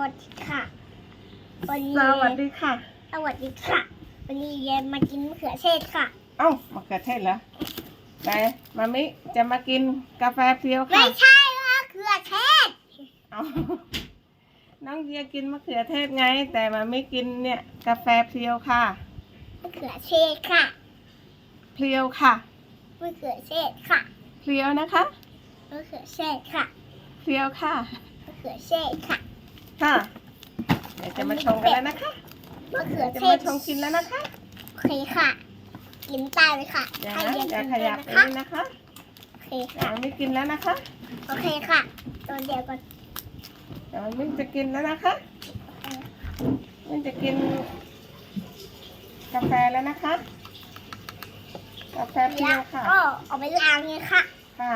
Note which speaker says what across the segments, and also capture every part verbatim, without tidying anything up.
Speaker 1: วัสดีค่ะวันนี้
Speaker 2: สวัสดีค่ะ
Speaker 1: สวัสดีค่ะวันนี้เย็นมากินมะเขือเทศค่ะ
Speaker 2: เอ้ามะเขือเทศเหรอไหนมามิจะมากินกาแฟเพียว
Speaker 1: ไม่
Speaker 2: ค่ะ
Speaker 1: ใช่มะเขือเทศ
Speaker 2: เอาน้องเยียกินมะเขือเทศไง แต่มามิกินเนี่ยกาแฟเพียวค่ะ
Speaker 1: มะเขือเทศค่ะ
Speaker 2: เพียวค่ะ
Speaker 1: มะเขือเทศค่ะ
Speaker 2: เพียวนะคะ
Speaker 1: มะเขือเทศค่ะ
Speaker 2: เพียวค่ะ
Speaker 1: มะเขือเทศค่ะ
Speaker 2: ค่ะเดี๋ยวจะมาชงกันแล้วนะคะ
Speaker 1: มะเขือ
Speaker 2: จะ
Speaker 1: เท
Speaker 2: มา
Speaker 1: ศ
Speaker 2: ชงกินแล้วนะคะ
Speaker 1: โอเคค่ะกินตายเลยค่ะ
Speaker 2: เดี๋ยว
Speaker 1: ให้
Speaker 2: นะ
Speaker 1: เย็น
Speaker 2: เดี๋ยว
Speaker 1: กิน
Speaker 2: ข
Speaker 1: ด้วย
Speaker 2: ยับ
Speaker 1: นะ
Speaker 2: ไป
Speaker 1: คะ
Speaker 2: เลยนะคะ
Speaker 1: โอเค
Speaker 2: เดี๋ยว
Speaker 1: ค่ะ
Speaker 2: มามิกินแล้วนะคะ
Speaker 1: โอเคค่ะตัวเดียวก่อน
Speaker 2: เดี๋ยวมามิจะกินแล้วนะคะมิจะกินกาแฟแล้วนะคะ กาแฟเพีย
Speaker 1: แล้ว ว
Speaker 2: ค่ะ
Speaker 1: ก็เอาไปล้างเลยค่ะ
Speaker 2: ค่ะ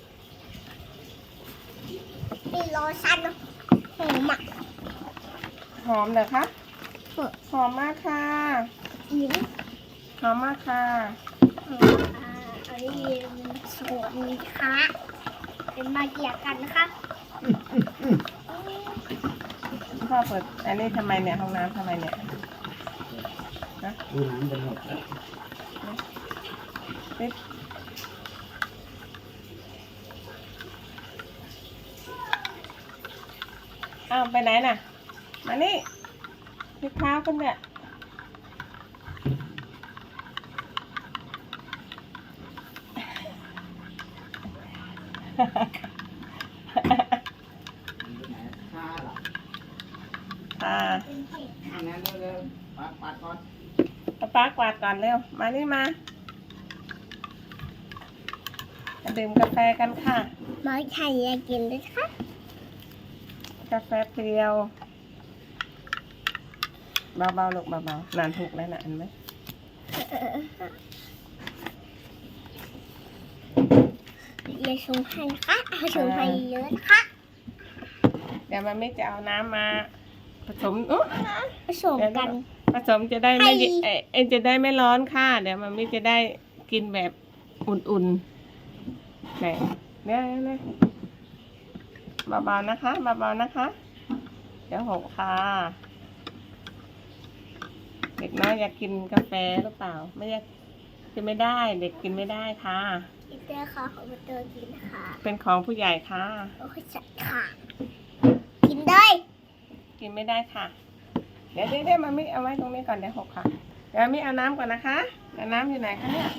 Speaker 1: มีโลชั่นหอมอ่ะ
Speaker 2: หอมเหรอคะ
Speaker 1: หอม
Speaker 2: หอมมากค่ะ
Speaker 1: หิว
Speaker 2: หอมมากค่ะ
Speaker 1: อ่าอันนี้สวนค่ะเป็นมาเกี่ยกันนะคะ
Speaker 2: พ่อเปิด อันนี้ทำไมเนี่ยห้องน้ำทำไมเนี่ยนะ
Speaker 3: ดูน้ำจะหมดแล้ว
Speaker 2: ปิดอ้าวไปไหนน่ะ มานี่พลิกเท้าขึ้นเนี่ย
Speaker 3: ข้าหรอ
Speaker 2: อ่า
Speaker 3: อันนั้นเร็วๆปัดปัดก่อน
Speaker 2: เอาป้ากวาดก่อนเร็ว มานี่มามาดื่มกาแฟกันค่ะ
Speaker 1: มาไข่ยากินด้วยค่ะ
Speaker 2: กาแฟเปรียว เบาๆลูกเบาๆนานถูกแล้วนะอันไหม
Speaker 1: ยาชงให้นะคะเอาชงให้เยอะนะคะ
Speaker 2: เดี๋ยวมันไม่จะเอาน้ำมาผสมอุ๊ย
Speaker 1: ผสมกัน
Speaker 2: ผสมจะได้ไม่
Speaker 1: ให้
Speaker 2: เอ่อเอยจะได้ไม่ร้อนค่ะ เดี๋ยวมันไม่จะได้กินแบบอุ่นๆไหนเนี่ยเนี่ยเบาๆนะคะเบาๆนะคะ เดี๋ยวหกค่ะ เด็กน้อยอยากกินกาแฟหรือเปล่า ไม่อยากกินไม่ได้ เด็กกินไม่ได้ค่ะ
Speaker 1: กินเตอร์ค่ะของเตอร์กินค่ะ
Speaker 2: เป็นของผู้ใหญ่ค่ะ
Speaker 1: โอเคจัดค่ะ กินได้
Speaker 2: กินไม่ได้ค่ะ เดี๋ยวเดี๋ยวเดี๋ยวมามิเอาไว้ตรงนี้ก่อนเดี๋ยวหกค่ะ เดี๋ยวมิเอาน้ำก่อนนะคะเดี๋ยวน้ำอยู่ไหนคะเนี่ย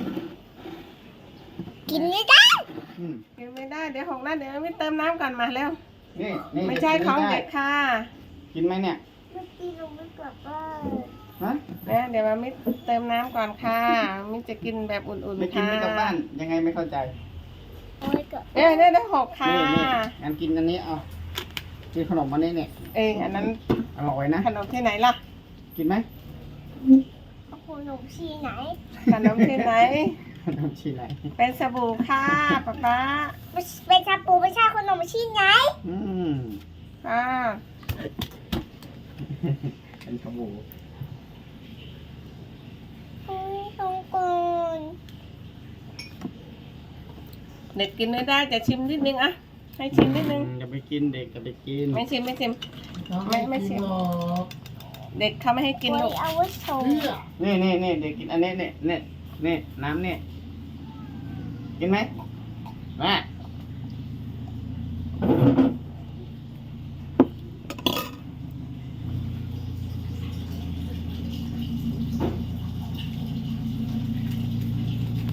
Speaker 1: กินไม่ได้
Speaker 3: อืม
Speaker 2: กินไม่ได้เดี๋ยวหกแล้วเดี๋ยวมิเติมน้ำก่อนมาเร็ว
Speaker 3: นี่นี่
Speaker 2: ไม่ใช่ของเด็กค่ะ
Speaker 3: กินไหมเนี่ย
Speaker 1: เมื่อกี้เราไม่กลับบ้าน
Speaker 3: ฮะ
Speaker 2: นะเดี๋ยวมามิเติมน้ำก่อนค่ะมิจะกินแบบอุ่น
Speaker 3: ไม่
Speaker 2: ๆ
Speaker 3: กิน
Speaker 2: ค่ะ
Speaker 3: ไม่กลับบ้าน ยังไงไม่เข้าใจ
Speaker 1: โอ้ยกลับ
Speaker 2: เดี๋ยวเดี๋ยวเดี๋ยวหกค่ะ
Speaker 3: นี่นี่งั้นกินอันนี้เอากินขนมอันนี้เนี่ย
Speaker 2: เอยอันนั้น
Speaker 3: อร่อยนะ
Speaker 2: ขนมที่ไหนล่ะ
Speaker 3: กินไหม
Speaker 1: เอาขนมชีไหน
Speaker 2: ขนมที่ไหน
Speaker 3: ขนมชีไหน
Speaker 2: เป็นสบู่ค่ะป๊าป๊า
Speaker 1: เป็นชาปูไม่ใช่ขนมชีไหน
Speaker 3: อืม
Speaker 2: อ่า
Speaker 3: เป็นขบู
Speaker 1: โอ้ยตรงก่อน
Speaker 2: เด็กกินไม่ได้จะชิมนิดนึงอะให้ชิมนิดนึง
Speaker 3: จะไปกินเด็กจะไปกิน
Speaker 2: ไม่ชิมไม่ชิมไม่ไม่ชิมเด็กเขาไม่ให้กิน
Speaker 1: โอ้
Speaker 2: ลู
Speaker 1: ย
Speaker 2: ก
Speaker 1: เอาไว้ชง
Speaker 3: นี่นี่นี่เด็กกินอันนี้เนี่ยเนี่ยเนี่ยน้ำเนี่ยกินไหมมา